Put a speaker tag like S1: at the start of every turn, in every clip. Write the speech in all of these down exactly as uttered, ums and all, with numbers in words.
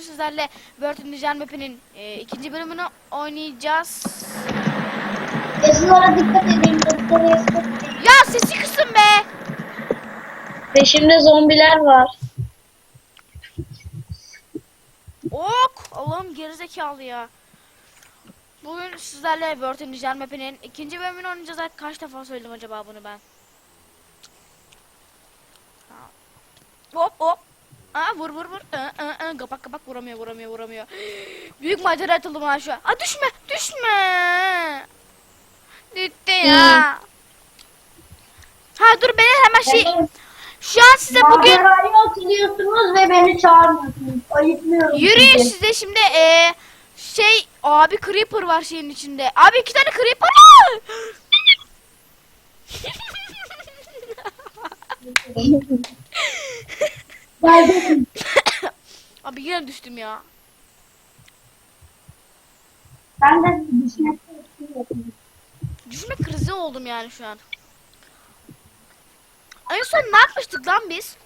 S1: sizlerle World in the Jar Map'inin e, ikinci bölümünü oynayacağız.
S2: Yazılara dikkat edin.
S1: Ya sesi kısın be.
S2: Peşimde zombiler var.
S1: Ok. Allah'ım gerizekalı ya. Bugün sizlerle World in the Jar Map'inin ikinci bölümünü oynayacağız. Kaç defa söyledim acaba bunu ben? Hop hop. Aa, vur vur vur. Aa, aa, aa. Kapak kapak vuramıyor vuramıyor vuramıyor. Büyük macera atıldım ha şu an. Aa, düşme düşme. Gitti ya. Ha dur beni hemen şey. Şu an size bugün
S2: Macerayı hatırlıyorsunuz ve beni çağırmıyorsunuz. Ayıplıyorum
S1: yürüyün
S2: sizi.
S1: size şimdi e, şey abi creeper var şeyin içinde. Abi iki tane creeper var.
S2: Geldim.
S1: Abi yine düştüm ya.
S2: Ben de düşmekte istiyorum.
S1: Düşme krizi oldum yani şu an. En son ne yapmıştık lan biz?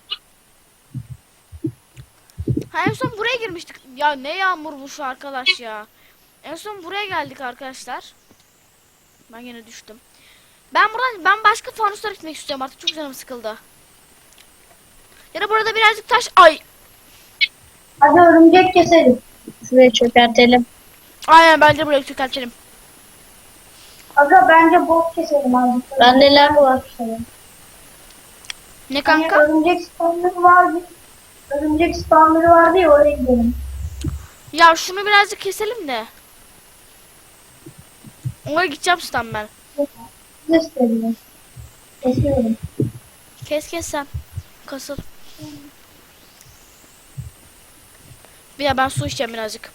S1: Ha, en son buraya girmiştik. Ya ne yağmur bu şu arkadaş ya. En son buraya geldik arkadaşlar. Ben yine düştüm. Ben buradan ben başka fanuslara gitmek istiyorum artık, çok canım sıkıldı. Ya da burada birazcık taş ay.
S2: Hadi örümcek keselim. Şuraya çökertelim.
S1: Aynen bence buraya çökertelim.
S2: Aga bence bot keselim abi. Bende lag var.
S1: Ne
S2: Kanka?
S1: kanka?
S2: Hani örümcek spawner'ı vardı. Örümcek spawner'ı vardı ya, oraya gidelim.
S1: Ya şunu birazcık keselim de. Oraya gideceğim stan ben.
S2: Gösterelim. Kesiyorum.
S1: Kes kes sen. Kasıl. Bir ya ben su içeceğim birazcık.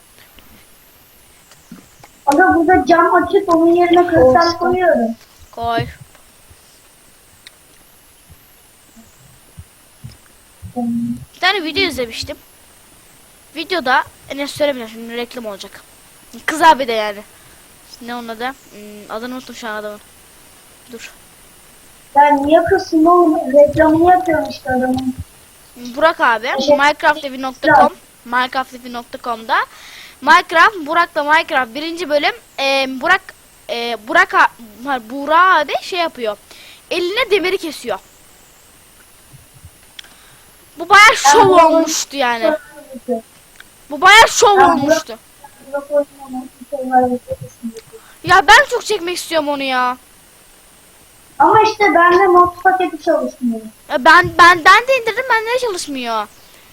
S2: Aga burada cam açık, onun yerine kristal koyuyorum.
S1: Koy. Bir tane video izlemiştim. Videoda ne söylemeyeceğim şimdi, reklam olacak. Kız abi de yani. Ne onun adı? Hmm, adını unuttum şu an adamın. Dur.
S2: Ben niye kızsın oğlum? Reklamını yapıyorum işte adamın.
S1: Burak abi minecraftlevi nokta com minecraftlevi nokta com'da Minecraft Burak'la Minecraft birinci bölüm e, Burak e, Burak a- Burak abi şey yapıyor. Eline demiri kesiyor. Bu bayağı şov
S2: bunu-
S1: olmuştu yani. Bu bayağı şov
S2: Ben
S1: olmuştu.
S2: Yok oynamam. Bir şey var, bir şey kesin.
S1: Ya ben çok çekmek istiyorum onu ya.
S2: Ama işte bende mod paketi çalışmıyor.
S1: Ya Ben benden de indirdim, bende de çalışmıyor.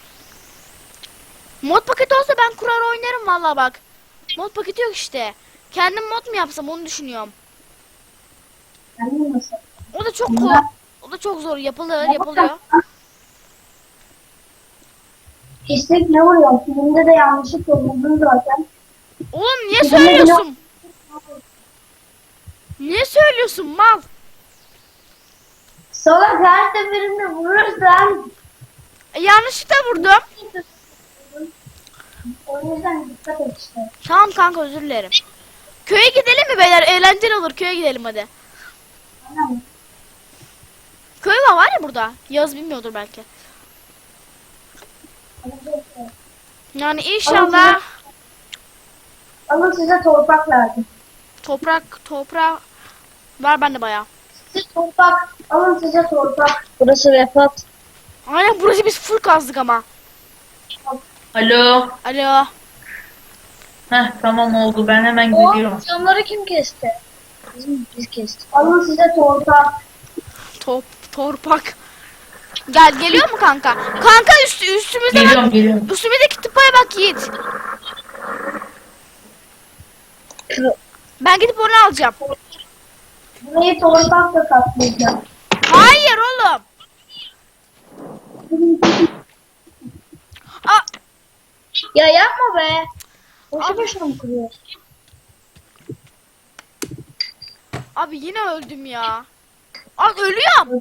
S1: Mod paketi olsa ben kurar oynarım vallahi bak. Mod paketi yok işte. Kendim mod mu yapsam onu düşünüyorum.
S2: Kendin nasıl?
S1: O da çok kolay. O da çok zor. Yapılır, yapılıyor.
S2: Pislik ne oluyor? Filmde de yanlışlıkla buldum zaten.
S1: Oğlum niye söylüyorsun? Niye söylüyorsun mal?
S2: Salak, her seferinde vurursan.
S1: E, yanlışlıkla vurdum.
S2: O yüzden dikkat et işte.
S1: Tamam kanka, özür dilerim. Köye gidelim mi beyler? Eğlenceli olur. Köye gidelim hadi.
S2: Anladın mı?
S1: Köy var var ya burada. Yaz bilmiyordur belki. Yani inşallah
S2: Alın size toprak lazım.
S1: toprak toprak var bende bayağı.
S2: Size toprak. Alın size toprak. Burası vefat.
S1: Aynen, burası biz full kazdık ama.
S3: Alo.
S1: Alo.
S3: Heh, tamam oldu, ben hemen
S2: O
S3: gidiyorum.
S2: camları kim kesti? Bizim biz kestik. Alın size toprak.
S1: Top torpak. Gel, geliyor mu kanka? Kanka üstü üstümüzde
S3: Geliyorum
S1: bak.
S3: geliyorum.
S1: Üstümüzdeki tıpaya bak Yiğit. Ben gidip onu alacağım.
S2: Burayı toprakla kaplayacağım.
S1: Hayır oğlum. Aa,
S2: Ya yapma be. Boşu
S1: Abi.
S2: boşuna mı kuruyorsun?
S1: abi yine öldüm ya. Abi ölüyorum.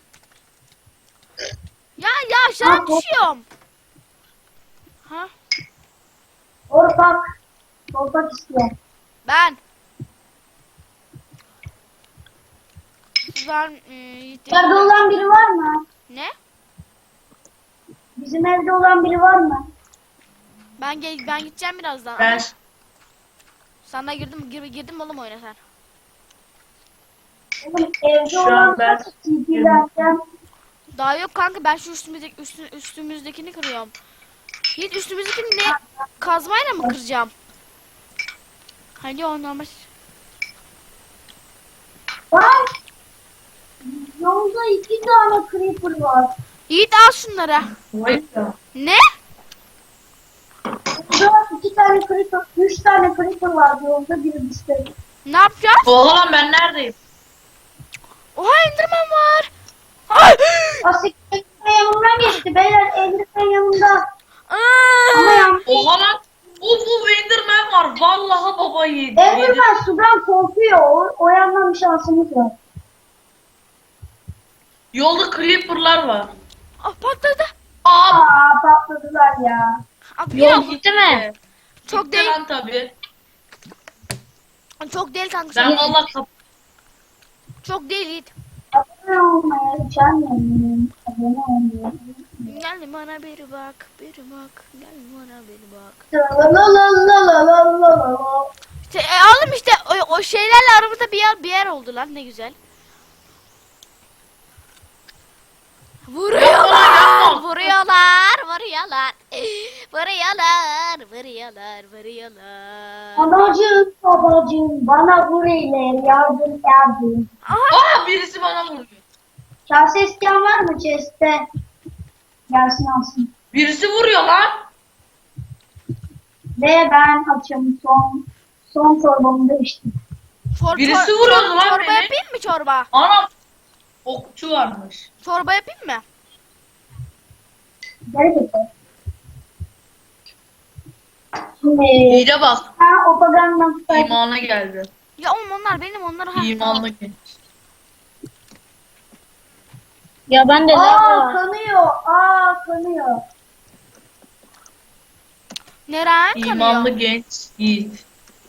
S1: Ya ya aşağı
S2: Abi.
S1: düşüyorum. Ha?
S2: Toprak. Toprak istiyor.
S1: Ben. Ben e, Yiğit'im.
S2: Evde olan biri var mı?
S1: Ne?
S2: Bizim evde olan biri var mı?
S1: Ben gel ben gideceğim birazdan.
S3: Ben
S1: Ama sen de girdim gir, girdim oğlum oyuna sen.
S2: Oğlum evde
S3: Şu an
S2: olan
S3: ben-
S2: nasıl T P'lerden?
S1: Daha yok kanka ben şu üstümüzdeki üstü, üstümüzdekini kırıyorum. Yiğit üstümüzdekini ne kazmayla mı kıracağım? Hadi o normal.
S2: Lan! Yolda iki tane creeper var.
S1: Yiğit al şunları.
S3: Vay ya.
S1: Ne?
S2: Burada iki tane creeper, üç tane creeper var yolda biri düştü.
S1: Ne yapacağız?
S3: Oha lan ben neredeyim?
S1: Oha Enderman var. Ay!
S2: Asik Enderman yanımdan geçti beyler, Enderman yanımda. Ama
S1: Aa!
S2: yani
S3: Oha lan. Uf uf Enderman var. Vallahi baba yedi. yedi.
S2: Enderman sudan korkuyor. O, o yandan bir şansımız var.
S3: Yolda creeper'lar var.
S1: Ah patladı.
S3: Aa
S2: Aa patladılar ya.
S1: Abi
S3: yol
S1: yok.
S3: gitti mi?
S1: Çok
S3: Gitti
S1: değil.
S3: lan tabii.
S1: Çok değil kanka.
S3: Ben
S1: Çok,
S3: vallahi kap
S1: çok değil Yiğit.
S2: Abone olmaya üşenmeyin. Abone olmayı.
S1: Gel bana bir bak, bir bak. Gel bana bir bak.
S2: Lalalalalalala.
S1: İşte, e, oğlum işte o, o şeylerle aramızda bir yer bir yer oldu lan ne güzel. Vuruyorlar, vuruyorlar, vuruyorlar. Vuruyorlar, vuruyorlar, vuruyorlar.
S2: Anacığım, babacığım, bana burayla yardım yardım.
S1: Aha,
S3: Aa birisi bana vuruyor.
S2: Kase isteyen var mı chest'te? Gelsin alsın.
S3: Birisi vuruyor lan.
S2: Ve ben açım son son çorbamı da içtim.
S1: çor,
S3: Birisi
S1: çor-
S3: vuruyordu
S1: çor-
S3: lan
S1: çorba
S3: beni.
S1: yapayım mı çorba?
S3: Anam. Okçu varmış.
S1: Çorba yapayım mı?
S2: Garip etti. Şimdi
S3: İyice bak.
S2: ha o pagandan tutayım.
S3: İmana geldi.
S1: Ya oğlum onlar benim onları ha.
S3: İmanlı genç.
S2: Ya ben de Aa kanıyor. Aa kanıyor.
S1: Neren
S3: İmanlı
S1: kanıyor?
S3: genç yiğit.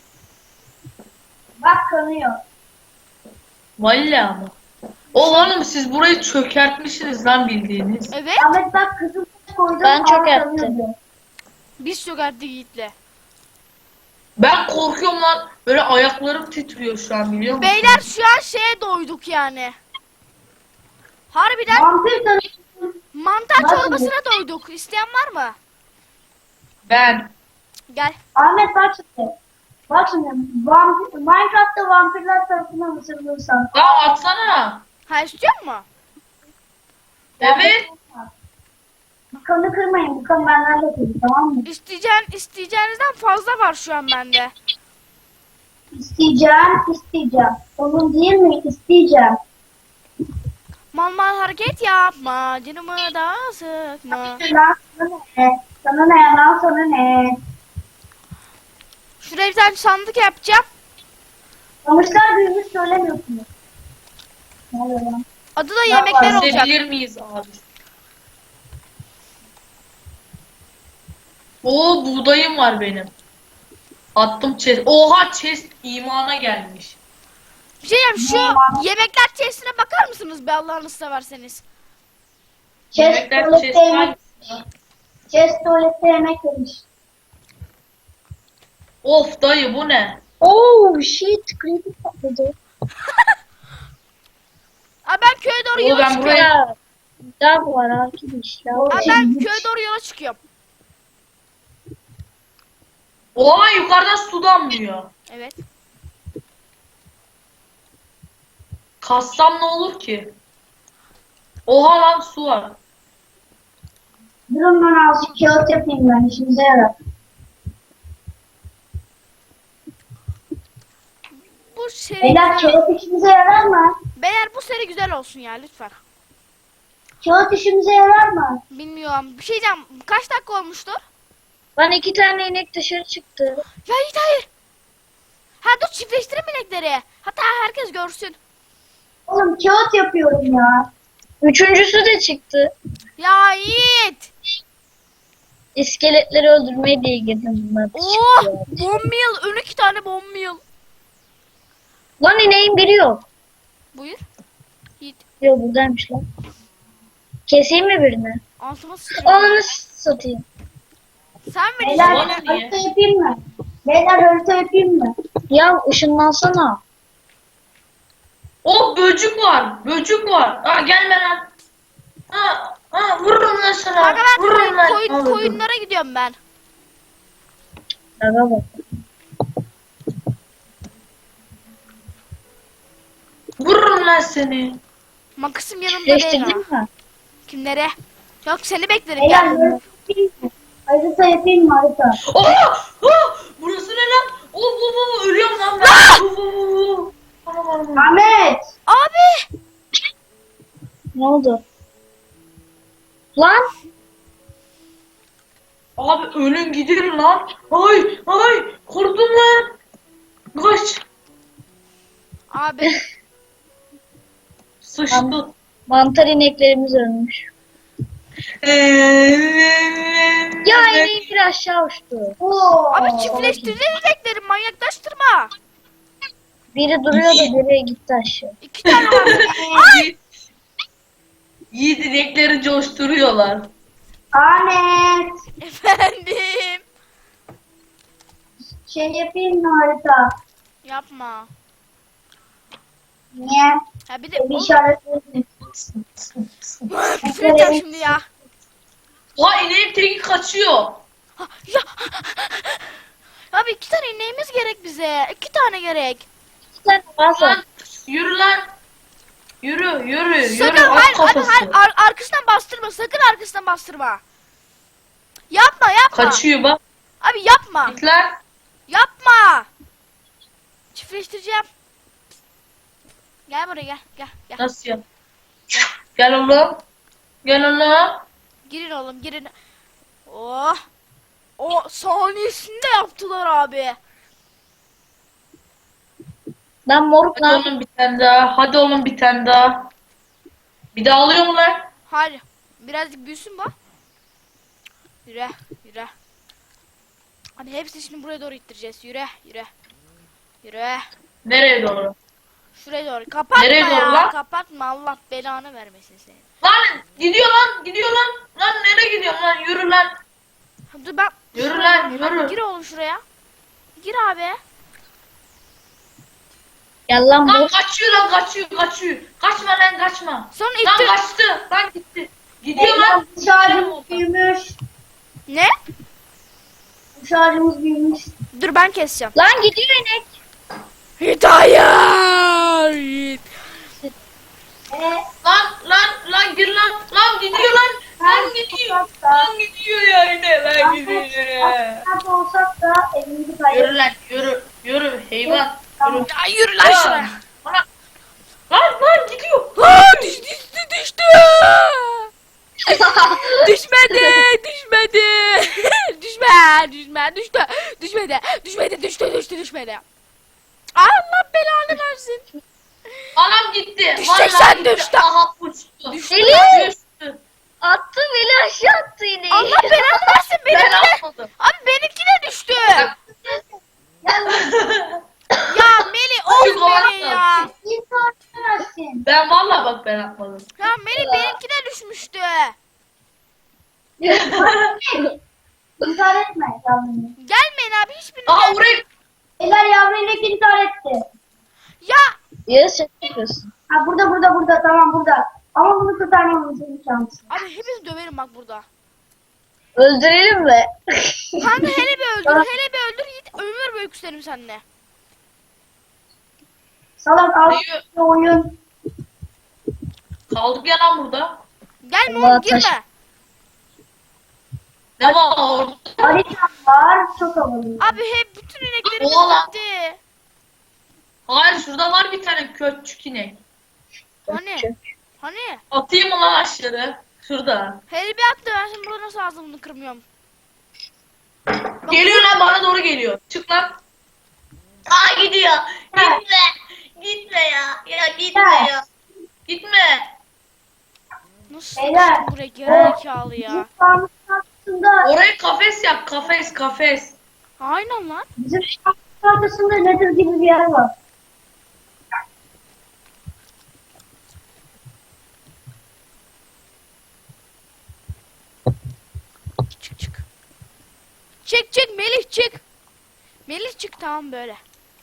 S2: Bak kanıyor.
S3: Vallahi ama. Oğlum siz burayı çökertmişsiniz lan bildiğiniz.
S1: Evet.
S2: Ahmet bak kızım koydum.
S4: Ben
S2: aa,
S4: çok
S2: kanıyor
S4: ettim.
S2: diyor.
S1: Biz çökerttik Yiğit'le.
S3: Ben korkuyorum lan. Böyle ayaklarım titriyor şu an biliyor musun?
S1: Beyler şu an şeye doyduk yani. Harbiden
S2: Vampir tanıştım.
S1: mantar
S2: Nasıl?
S1: çorbasına doyduk. İsteyen var mı?
S3: Ben.
S1: Gel.
S2: Ahmet bak şimdi. Bak şimdi. Vampir, Minecraft'ta vampirler tarafından ısırılırsan.
S3: Ya atsana.
S1: Ha istiyor mu?
S3: Evet.
S2: Kanı kırmayın. Bu kan benden de kırdı, tamam mı?
S1: İsteyeceğin, isteyeceğinizden fazla var şu an bende.
S2: İsteyeceğim, isteyeceğim. Onun değil mi? İsteyeceğim.
S1: Mal mal hareket yapma. Canımı da sıkma.
S2: Lan sana ne? Sana ne? Lan sana ne?
S1: Şuraya bir tane sandık yapacağım.
S2: Kamışlar büyümüş söylemiyorsunuz. Ne oluyor lan?
S1: Adı da yemekler olacak.
S3: İzleyebilir miyiz abi? Oo buğdayım var benim. Attım chest. Oha chest imana gelmiş.
S1: Bir şey diyeyim, şu yemekler chest'ine bakar mısınız be Allah'ını severseniz?
S2: Chest
S3: Yemekler
S2: tuvalette
S3: chest var.
S2: yemek. Chest tuvalette yemek yemiş.
S3: Of dayı bu ne?
S4: Oh shit, creepy patladı.
S1: Aa, ben köye doğru
S3: Oo,
S1: yola
S3: ben
S1: çıkıyorum.
S3: buraya-
S4: Ya dog var arkadaşlar.
S2: O
S1: Aa, ben köye doğru yola çıkıyorum.
S3: Oha yukarıdan su damlıyor.
S1: Evet.
S3: Kassam ne olur ki? Oha lan su var.
S2: Durun ben azıcık kağıt yapayım ben. İşimize yarar.
S1: Bu seri
S2: Beyler kağıt işimize yarar mı?
S1: Beyler bu seri güzel olsun ya lütfen.
S2: Kağıt işimize yarar mı?
S1: Bilmiyorum. Bir şey diyeceğim. Kaç dakika olmuştur?
S4: Ben iki tane inek dışarı çıktı.
S1: Ya Yiğit hayır. Ha dur çiftleştirin inekleri. Hatta herkes görsün.
S2: Oğlum kağıt yapıyorum ya.
S4: Üçüncüsü de çıktı.
S1: Ya Yiğit.
S4: İskeletleri öldürmeye diye girdim bunlar. da
S1: Oh
S4: çıktı ya.
S1: bomb meal. Ön iki tane bomb meal.
S4: Lan ineğin biri yok.
S1: Buyur. Yiğit.
S4: Yok buradaymış lan. Keseyim mi birini?
S1: Altıma sıçrayım.
S4: Onu satayım.
S1: Sen mi
S2: Beyler
S3: Bana
S1: diyeceksin?
S3: niye?
S2: harita yapayım mı? Beyler harita yapayım mı?
S4: Ya ışınlansana.
S3: O böcük var. Böcük var. Ha gelme lan. Ha, ha vururum lan sana.
S1: Kanka ben
S3: Vururum
S1: koyun,
S3: lan.
S1: koyun,
S3: Al,
S1: koyunlara gidiyorum ben.
S4: Aga bak.
S3: Vururum lan seni.
S1: Makasım yanımda değil ha.
S4: Çiftleştirdin mi?
S1: Kimlere? Yok seni beklerim
S2: Beyler
S1: gel.
S2: harita yapayım mı? Harita yapayım mı harita?
S3: Oha! Oh! Burası ne lan? Oh, oh, oh, ölüyorum lan ben. Oh, oh, oh, oh. Aman, aman.
S2: Ahmet!
S1: Abi!
S4: Ne oldu? Lan
S3: Abi ölün gidiyor lan. Ay ay korktum lan. Kaç.
S1: Abi.
S3: Sıçtı.
S4: mantar ineklerimiz ölmüş. Ya ineğim bir aşağı uçtu.
S2: Oo.
S1: Abi çiftleştireceğiz inekleri manyaklaştırma.
S4: Biri duruyor da biri gitti aşağı.
S1: İki tane var.
S3: Yiğit, Yiğit inekleri coşturuyorlar.
S2: Ahmet!
S1: Efendim.
S2: Şey yapayım mı harita?
S1: Yapma.
S2: Niye?
S1: Ya bir de
S2: Bir
S1: oğlum,
S2: işaretledim.
S1: küfür edeceğim şimdi ya.
S3: Ha ineğin teki kaçıyor.
S1: Ha, ya. Abi iki tane ineğimiz gerek bize. İki tane gerek.
S4: İki tane fazla.
S3: Lan yürü lan. Yürü yürü yürü
S1: Sakın
S3: at
S1: hayır, abi,
S3: kafası.
S1: hayır ar- arkasından bastırma. Sakın arkasından bastırma. Yapma yapma.
S3: Kaçıyor bak.
S1: Abi yapma.
S3: Git lan.
S1: Yapma. Çiftleştireceğim. Gel buraya gel gel gel.
S3: Nasıl ya? Gel oğlum. Gel oğlum.
S1: Girin oğlum girin. Oh. O saniyesinde yaptılar abi.
S4: Lan moruk
S3: Hadi
S4: lan.
S3: oğlum bir tane daha. Hadi oğlum bir tane daha. Bir daha alıyor mu lan?
S1: Hayır. Birazcık büyüsün bak. Yürü yürü. Hadi hepsini şimdi buraya doğru ittireceğiz. Yürü yürü. Yürü.
S3: Nereye doğru?
S1: Şuraya doğru. Kapatma
S3: Nereye
S1: ya.
S3: doğru lan?
S1: Kapatma. Allah belanı vermesin seni.
S3: Lan gidiyor lan gidiyor lan. Lan nereye gidiyorsun lan? Yürü lan.
S1: Dur ben.
S3: Yürü lan, yürü.
S1: Gir oğlum şuraya. Gir abi.
S4: Gel lan
S3: Lan
S4: moruk.
S3: kaçıyor lan kaçıyor kaçıyor. Kaçma lan kaçma.
S1: Sonra
S3: Lan
S1: ittir.
S3: kaçtı. Lan gitti. Gidiyor
S2: Beyler
S3: lan.
S2: bu şarjımız büyümüş.
S1: Ne?
S2: Bu şarjımız büyümüş.
S1: Dur ben keseceğim.
S4: Lan gidiyor inek.
S1: Hidayet.
S2: Eee
S3: Lan lan lan gir lan. Lan gidiyor lan. Lan gidiyor. Lan gidiyor ya yine lan gidiyor.
S2: Nerede olsak da evimizi
S3: Yürü
S2: kaybettik.
S3: lan yürü. Yürü hayvan. Yürü.
S1: Ya yürü lan şuraya.
S3: Lan lan lan gidiyor.
S1: Aa, düştü düştü düştü. Düşmedi düşmedi. Düşme düşme düştü. Düşmedi düşmedi düştü düştü düşmedi. Allah belanı versin.
S3: Anam gitti.
S1: Düşecek
S3: Vallahi
S1: sen,
S3: gitti.
S1: düştü.
S3: Aha uçtu.
S1: Düştü.
S3: Düştü.
S4: Attı beni aşağı attı ineği.
S1: Allah belanı versin
S3: Ben
S1: benimki de.
S3: atmadım.
S1: Abi benimki de düştü.
S2: Gel lan.
S1: Ya Meli of
S3: Çünkü o
S1: Meli
S3: atmadı.
S1: ya.
S2: İnsan versin.
S3: Ben vallahi bak ben atmadım.
S1: Ya Meli benimki de düşmüştü.
S2: İntihar etme yavrum.
S1: Gelmeyin abi hiçbiriniz.
S3: Aha
S1: gel-
S3: oraya
S2: Eller yavru inek intihar etti.
S1: Ya
S4: Ya sen ne yapıyorsun?
S2: Ha burada burada burada tamam burada. Ama bunu kurtarmamız imkansız.
S1: abi hepinizi döverim bak burada.
S4: Öldürelim mi?
S1: Kanka hele bir öldür hele bir öldür Yiğit ömür boyu küserim seninle.
S2: Salak al
S3: Neyi-
S2: şu oyun.
S3: kaldık ya lan burada.
S1: Gelme
S4: Allah
S1: oğlum girme.
S4: taş-
S3: Ne var orada?
S2: Harita var çok havalı.
S1: Abi hep bütün ineklerimiz
S3: Oğlan.
S1: gitti.
S3: Hayır şurada var bir tane köçük inek.
S1: Hani? Hani?
S3: Atayım mı lan aşağı? Şurada.
S1: Hele bir attı ben şimdi burada nasıl ağzımını kırmıyorum. Bak,
S3: Geliyor lan bana doğru geliyor. Çık lan. Aa gidiyor. Gitme. Gitme ya. Ya gitme ya. Gitme.
S1: Nasıl
S2: Beyler.
S1: nasıl buraya gerizekalı ya.
S2: Bizim sağımızın arkasında,
S3: Oraya kafes yap. Kafes kafes.
S1: Aynen lan.
S2: bizim sağımızın arkasında nedir gibi bir yer var.
S1: Çık çık. Çık çık Melih çık. Melih çık tamam böyle.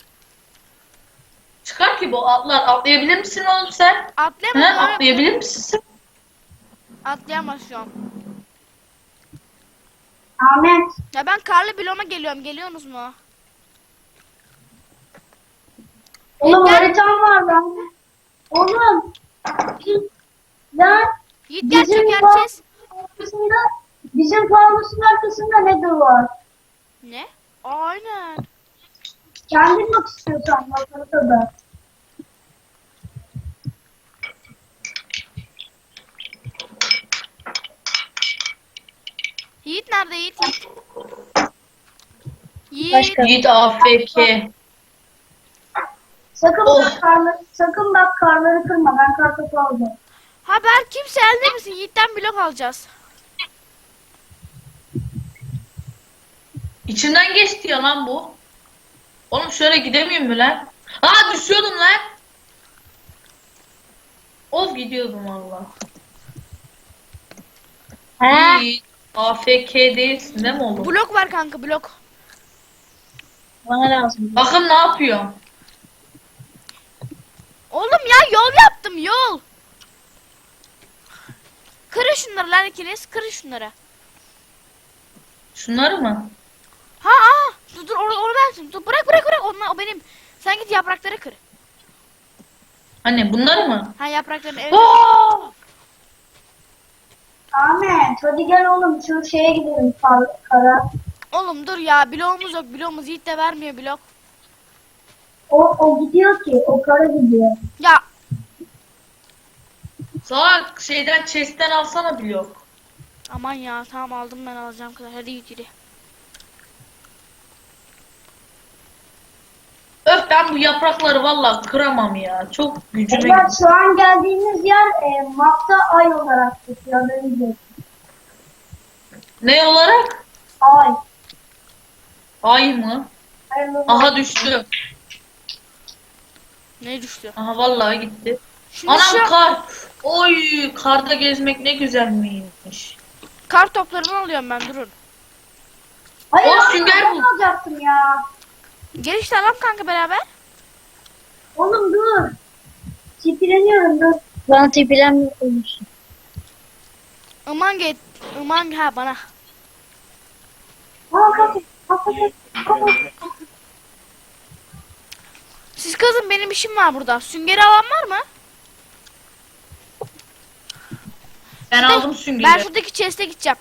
S3: Çıkar ki bu atlar. Atlayabilir misin oğlum sen?
S1: Atlayamaz.
S3: He,
S1: öyle-
S3: atlayabilir misin sen?
S1: Atlayamaz şu an.
S2: Ahmet.
S1: Ya ben karlı bloğuma geliyorum. Geliyorsunuz mu?
S2: Oğlum
S1: Gel.
S2: haritam var lan. Oğlum. Lan
S1: Yiğit gel
S2: bizim
S1: çökerteceğiz.
S2: arkasında bizim fanusun arkasında ne de var?
S1: Ne? Aynen.
S2: Kendin bak istiyorsan bak haritada.
S1: Yiğit nerede Yiğit? Yiğit. Yiğit.
S4: Başka.
S3: Yiğit A F K.
S2: Sakın
S3: Oh.
S2: bak karları, sakın bak karları kırma. Ben kartopu alacağım.
S1: Ha ben kimse elde misin? Yiğit'ten blok alacağız.
S3: İçinden geçti ya lan bu. Oğlum şöyle gidemiyorum mu lan? Aa düşüyordum lan. Of gidiyordum valla.
S4: He.
S3: Yiğit A F K değilsin değil mi oğlum?
S1: Blok var kanka blok.
S4: Bana lazım.
S3: Bakın ne yapıyor.
S1: Oğlum ya yol yaptım yol. Kırın şunları lan ikiniz. Kırın şunları.
S3: Şunları mı?
S1: Ha aa. Dur dur onu, onu versin. Dur bırak bırak bırak. Onlar, o benim. Sen git yaprakları kır.
S3: Anne bunları mı?
S1: Ha yapraklarını evet.
S3: Aa!
S2: Ahmet hadi gel oğlum şu şeye gidelim kar, kara.
S1: Oğlum dur ya bloğumuz yok. Bloğumuz Yiğit de vermiyor blok.
S2: O, o gidiyor ki o kara gidiyor.
S1: Ya
S3: Salak şeyden chest'ten alsana blok.
S1: aman ya tamam aldım ben alacağım kadar. Hadi Yiğit yürü.
S3: Öf ben bu yaprakları valla kıramam ya. Çok gücüme
S2: Beyler
S3: gidiyor.
S2: şu an geldiğimiz yer e, mapta ay olarak geçiyor. Haberiniz olsun.
S3: Ne olarak?
S2: Ay.
S3: Ay mı?
S2: Hayırlı
S3: Aha düştü.
S1: Ne düştü?
S3: Aha vallahi gitti.
S1: Şimdi
S3: Anam
S1: şu
S3: kar. Oy karda gezmek ne güzelmiş.
S1: kar toplarını alıyorum ben durun.
S2: Hayır
S3: Oğlum,
S2: abi,
S3: sünger
S2: ben
S3: bu.
S2: alacaktım ya.
S1: Gel işte alalım kanka beraber.
S2: Oğlum dur. Çipileniyorum dur.
S4: Bana tipilen olursun.
S1: Iman get. Iman ha bana.
S2: Aa kapı. Kapı. Kapı.
S1: Siz kızım benim işim var burada. Süngeri alan var mı?
S3: Ben
S1: Şurada-
S3: aldım süngeri.
S1: Ben şuradaki chest'e gideceğim.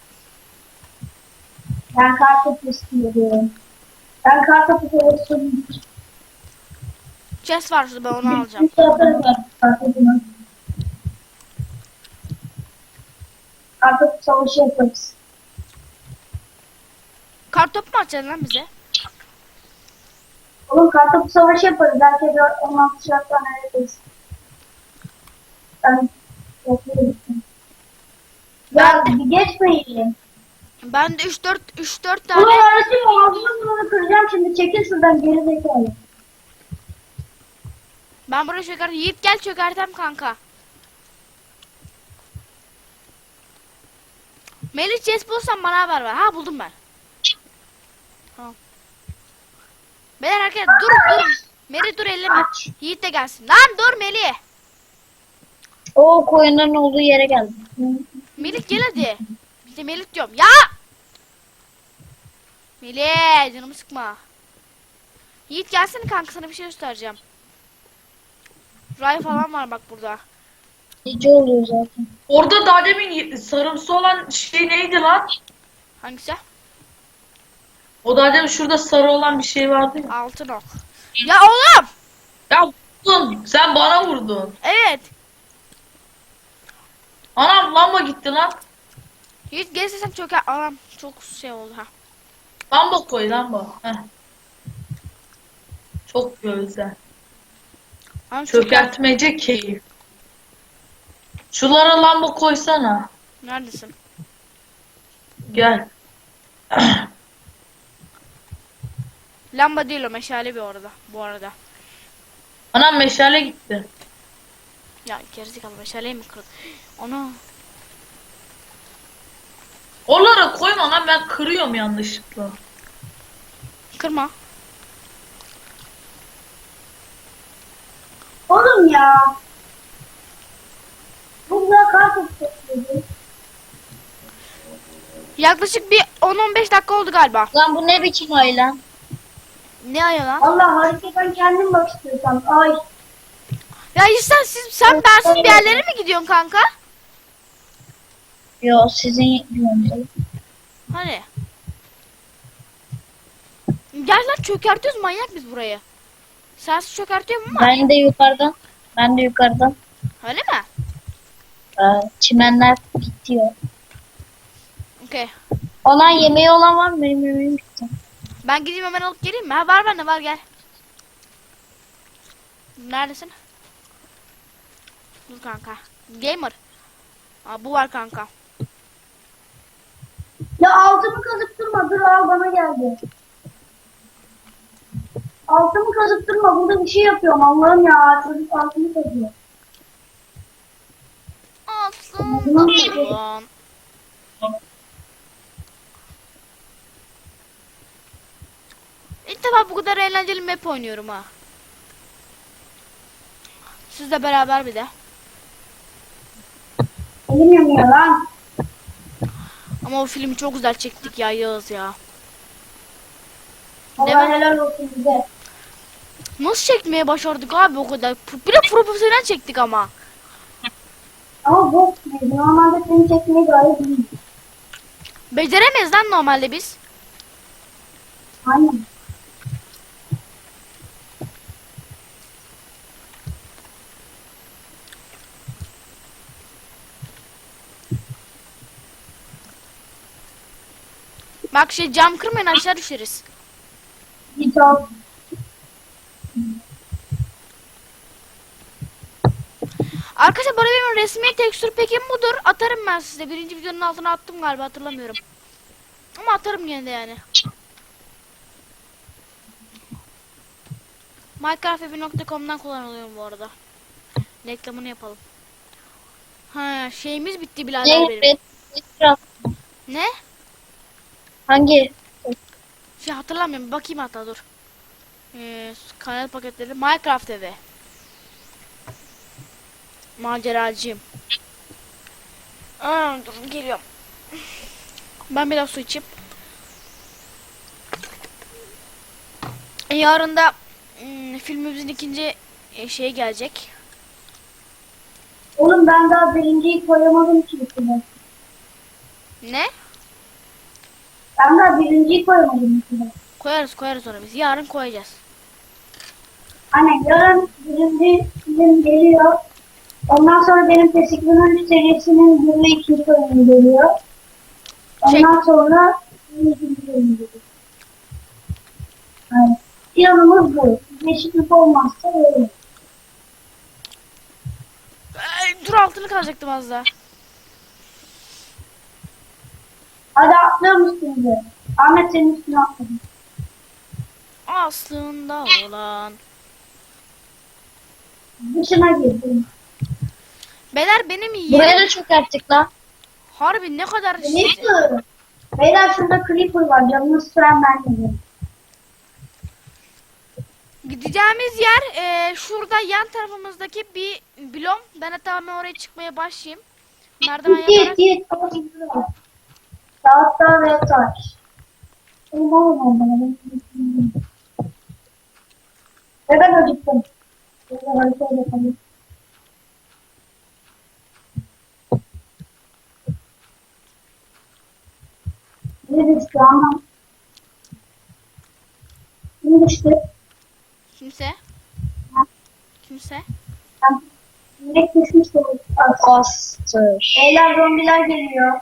S2: Ben kartopu istiyorum. Ben kartopu olsun.
S1: Chest var şurada ben onu alacağım.
S2: Bir tarafı var kartopunu. Kartopu savaşı yaparız.
S1: Kar topu mu atacaksın lan bize?
S2: Oğlum kartopu savaşı yaparız. Belki de on altı şarttan neredeyiz. Ben yapıyorum. Ya bir geçmeyin.
S1: Ben de üç dört üç dört
S2: Ulan
S1: tane
S2: öğretmenim ağzını bunu kıracağım şimdi. Çekil şuradan geri zekalı.
S1: ben buraya çöker. Yiğit gel çökertem kanka. Melih chest bulursan bana haber ver. Ha buldum ben. Tamam. Beyler herkes dur dur. Melih dur elleme. Yiğit de gelsin. Lan dur Melih.
S4: O koyunların olduğu yere geldim.
S1: Melih gel hadi. İşte Melih diyorum. Ya! Melih canımı sıkma. Yiğit gelsene kanka sana bir şey göstereceğim. Ray falan var bak burada.
S4: Gece oluyor zaten.
S3: Orada daha demin sarımsı olan şey neydi lan?
S1: Hangisi?
S3: O daha demin şurada sarı olan bir şey vardı ya.
S1: Altın ok. Ya oğlum!
S3: Ya vurdun. Sen bana vurdun.
S1: Evet.
S3: Anam lamba gitti lan.
S1: Yiğit gelirse sen çöker. Anam çok şey oldu ha.
S3: Lamba koy lamba. Heh. Çok güzel.
S1: Anam çöker.
S3: Çökertmece keyif. Şulara lamba koysana.
S1: Neredesin?
S3: Gel.
S1: Lamba değil o meşale bir orada. Bu arada.
S3: Anam meşale gitti.
S1: Ya gerizekalı meşaleyi mi kırdın? Ana.
S3: Oralara koyma lan, ben kırıyorum yanlışlıkla.
S1: Kırma.
S2: Oğlum ya. Bu da kaç istedim.
S1: Yaklaşık bir on on beş dakika oldu galiba.
S4: Lan bu ne biçim ay lan?
S1: Ne ayı lan?
S2: Allah haritadan kendim bak istiyorsan. Ay.
S1: Ya İhsan siz, sen bensiz bir yerlere mi gidiyorsun kanka?
S4: Yo sizin diyorsunuz.
S1: Hani? Gel lan çökertiyoruz, manyak biz burayı. Sensiz çökertiyorum ama.
S4: Ben de yukarıdan. Ben de yukarıdan.
S1: Öyle mi?
S4: Ee, çimenler bitiyor.
S1: Okey.
S4: Olan yemeği olan var mı? Benim yemeğim bitti.
S1: Ben gideyim hemen alıp geleyim mi? Ha, var bende var, gel. Neredesin? Dur kanka. Gamer. Aa, bu var kanka.
S2: Ya altımı kazıp durma. Dur al bana geldi. Altımı kazıp durma. Burada bir şey yapıyorum. Allah'ım ya. Çocuk altımı kazıyor.
S1: Aslında ulan. İlk defa bu kadar eğlenceli map oynuyorum ha. Sizle beraber bir de.
S2: Elim yanıyor lan.
S1: Ama o filmi çok güzel çektik ya Yağız ya.
S2: Allah
S1: Değil mi?
S2: helal olsun bize.
S1: Nasıl çekmeye başardık abi o kadar? Bir de profesyonel çektik ama.
S2: Ama bu normalde seni çekmeyi gayet iyi.
S1: Beceremeyiz lan normalde biz.
S2: Aynen.
S1: Bak şey, cam kırmayın, aşağı düşeriz.
S2: Git al.
S1: Arkadaşlar bu arada benim resmi tekstür pekim budur. Atarım ben size. Birinci videonun altına attım galiba, hatırlamıyorum. Ama atarım yine de yani. minecraft evi nokta com'dan kullanılıyorum bu arada. Reklamını yapalım. Ha, şeyimiz bitti birader
S4: Ne?
S1: benim.
S4: Red, Red,
S1: Ne?
S4: hangi?
S1: Şey hatırlamıyorum. Bakayım hatta, dur. Ee, kanal paketleri. Minecraft evi. Maceracıyım. Aa, dur geliyorum. Ben biraz su içeyim. Yarın da ım, filmimizin ikinci e, şeyi gelecek.
S2: Oğlum ben daha birinciyi koyamadım ki içine.
S1: Ne?
S2: Ben daha birinciyi koyamadım içine.
S1: Koyarız koyarız onu biz. Yarın koyacağız.
S2: Hani yarın birinci film geliyor. Ondan sonra benim Tesikli'nin serisinin bir ve iki bölümü geliyor. Ondan sonra ikinci bölümü geliyor. Yani planımız bu. Değişiklik olmazsa öyle.
S1: Ay, dur, altını kazacaktım az daha.
S2: Hadi atlıyor musun bize? Ahmet senin üstüne atladı.
S1: Aslında olan.
S2: Dışına girdim.
S1: Beyler benim
S4: Buraya
S1: yerim
S4: da çökerttik lan.
S1: harbi ne kadar
S2: Creeper. Beyler şurada Creeper var. Canını süren ben geliyorum.
S1: gideceğimiz yer e, şurada yan tarafımızdaki bir blom. Ben hatta hemen oraya çıkmaya başlayayım. Merdiven
S2: Git
S1: yaparak.
S2: git. Ama şimdi var. Tahta ve taş. Oğlum oğlum oğlum. Ve ben acıktım. Böyle haritaya bakalım. Ne düştü ama? Ne düştü?
S1: Kimse? Kimse?
S2: Ben direkt düşmüştüm.
S4: Bastır.
S2: Beyler zombiler geliyor.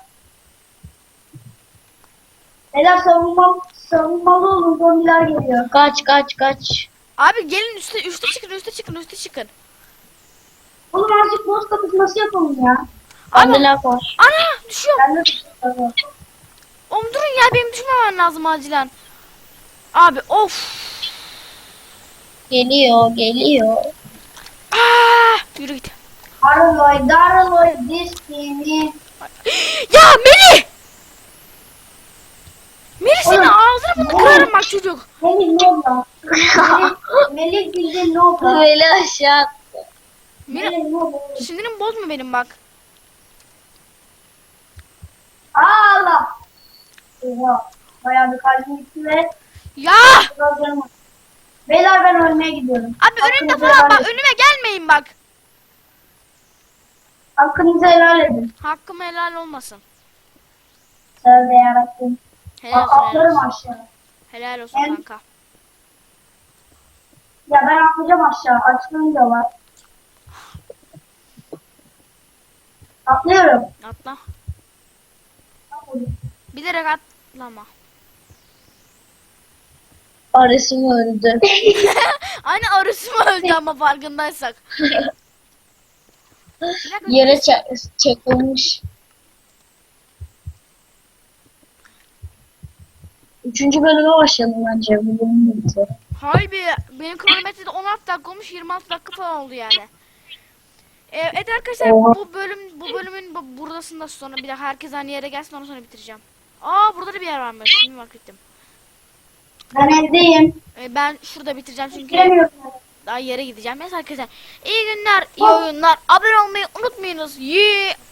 S2: Beyler savunma, savunmalı olun, zombiler geliyor.
S4: Kaç kaç kaç.
S1: Abi gelin üste üste çıkın üste çıkın üste çıkın.
S2: Oğlum azıcık boss kapışması yapalım ya.
S1: Abi
S4: Bende lag var.
S1: ana düşüyorum.
S2: Ben de tutuştum.
S1: Oğlum durun ya, benim düşmemem lazım acilen. Abi of.
S4: Geliyor geliyor.
S1: Aa, yürü git.
S2: Daraloy, Daraloy, this game.
S1: Ya Melih! Melih senin
S2: Oğlum.
S1: ağzını bunu kırarım bak çocuk.
S2: Melih ne oldu? Melih, Melih bildiğin ne oldu?
S4: Böyle aşağı.
S1: Melih
S2: Melih ne oldu?
S1: sinirim bozma benim bak.
S2: Aa, Allah. Oha. Bayağı bir kalbim gitti ve
S1: Ya
S2: biraz canım acıdı. Beyler ben ölmeye gidiyorum.
S1: abi önünde
S2: Hakkınızı
S1: falan
S2: helal
S1: bak
S2: edin.
S1: önüme gelmeyin bak.
S2: Hakkınızı helal edin.
S1: Hakkım helal olmasın.
S2: Tövbe yarabbim.
S1: Helal olsun, helal
S2: Atlarım
S1: olsun.
S2: aşağı.
S1: Helal olsun
S2: En-
S1: kanka.
S2: Ya ben atlayacağım aşağı. Açlığım da var. Atlıyorum.
S1: Atla. Bilerek atlama.
S4: Arası mı öldü?
S1: Aynı arısı mı öldü ama farkındaysak. Bir dakika.
S4: Yere çak- çakılmış. Üçüncü bölüme başladım bence. Bu bölüm bitti.
S1: Hayır be, benim kronometrede on altı dakika olmuş, yirmi altı dakika falan oldu yani. Ee, Evet arkadaşlar,
S4: Oha.
S1: bu bölüm bu bölümün bu, buradasında sonra bir daha herkes aynı yere gelsin, ondan sonra bitireceğim. Aa, burada da bir yer varmış. Şimdi fark ettim.
S2: Ben evdeyim.
S1: Ee, ben şurada bitireceğim çünkü
S2: Giremiyorum.
S1: daha yere gideceğim. Neyse arkadaşlar, iyi günler, iyi oyunlar. Abone olmayı unutmayınız. Yee.